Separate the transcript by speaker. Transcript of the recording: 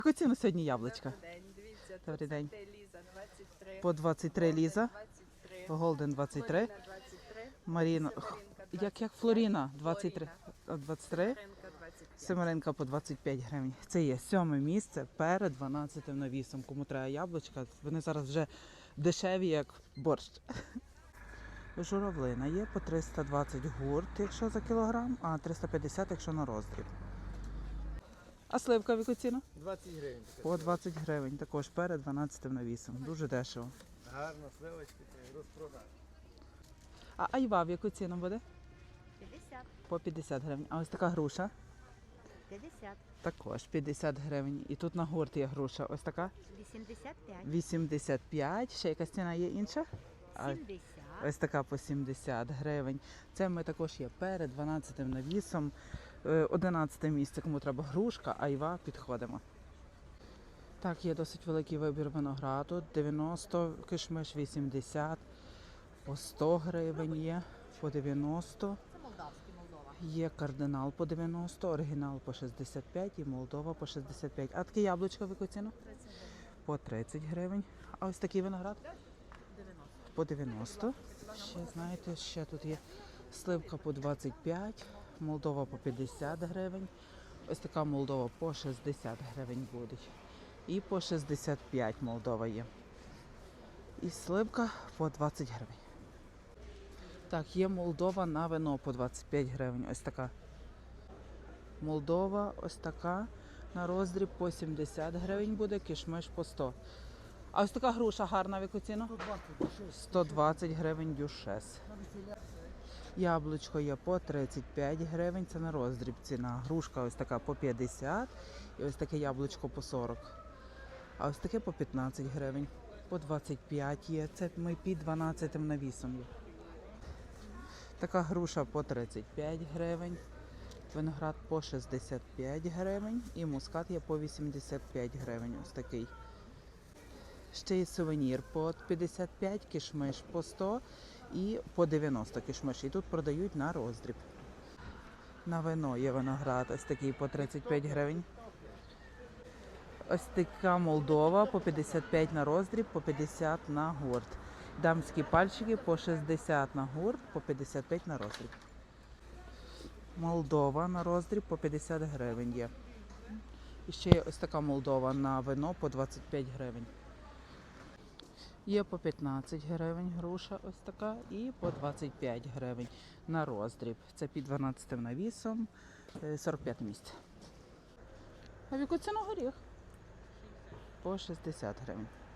Speaker 1: Яку ціну сьогодні яблучка?
Speaker 2: Добрий день, дивіться,
Speaker 1: Добрий
Speaker 2: тут
Speaker 1: день.
Speaker 2: Ліза 23.
Speaker 1: По 23 Ліза,
Speaker 2: 23.
Speaker 1: Голден 23,
Speaker 2: Флоріна 23.
Speaker 1: Маріна,
Speaker 2: Семеринка
Speaker 1: як Флоріна 23,
Speaker 2: Флоріна.
Speaker 1: 23,
Speaker 2: Семеринка 25.
Speaker 1: Семеринка по 25 гривень. Це є 7 місце перед 12 навісом. Кому треба яблучка, вони зараз вже дешеві, як борщ. Журавлина є по 320 гурт, якщо за кілограм, а 350, якщо на роздріб. А сливка в яку ціну?
Speaker 3: 20 гривень.
Speaker 1: По 20 гривень, також перед 12 навісом. Дуже дешево.
Speaker 3: Гарно, сливочки, розпродаж.
Speaker 1: А айва в яку ціну буде?
Speaker 4: 50,
Speaker 1: По 50 гривень. А ось така груша?
Speaker 4: 50,
Speaker 1: Також 50 гривень. І тут на гурт є груша. Ось така?
Speaker 4: 85,
Speaker 1: 85. Ще якась ціна є інша? А
Speaker 4: 70,
Speaker 1: ось така по 70 гривень. Це ми також є перед 12 навісом. 11 місце, кому треба грушка, айва, підходимо. Так, є досить великий вибір винограду. 90, кишмиш 80, по 100 гривень є, по 90.
Speaker 4: це молдавський Молдова.
Speaker 1: Є кардинал по 90, оригінал по 65 і Молдова по 65. А таке яблучко в яку ціну?
Speaker 4: 30 гривень.
Speaker 1: По 30 гривень. А ось такий виноград?
Speaker 4: 90.
Speaker 1: По 90. Ще, знаєте, ще тут є сливка по 25, Молдова по 50 гривень. Ось така Молдова по 60 гривень буде. І по 65 Молдова є. І сливка по 20 гривень. Так, є Молдова на вино по 25 гривень. Ось така. Молдова ось така. На роздріб по 70 гривень буде, кишмиш по 100. А ось така груша гарна в яку ціну? 120 гривень дюшес. Яблучко є по 35 гривень, це на роздріб ціна. Грушка ось така по 50 і ось таке яблучко по 40. А ось таке по 15 гривень, по 25 є. Це ми під 12 навісом є. Така груша по 35 гривень, виноград по 65 гривень і мускат є по 85 гривень. Ось такий. Ще є сувенір по 55, кишмиш по 100 і по 90 кишмиш. І тут продають на роздріб. На вино є виноград ось такий по 35 гривень. Ось така Молдова по 55 на роздріб, по 50 на гурт. Дамські пальчики по 60 на гурт, по 55 на роздріб. Молдова на роздріб по 50 гривень є. І ще є ось така Молдова на вино по 25 гривень. Є по 15 гривень груша ось така і по 25 гривень на роздріб. Це під 12 навісом, 45 місце. А в яку ціну горіх? По 60 гривень.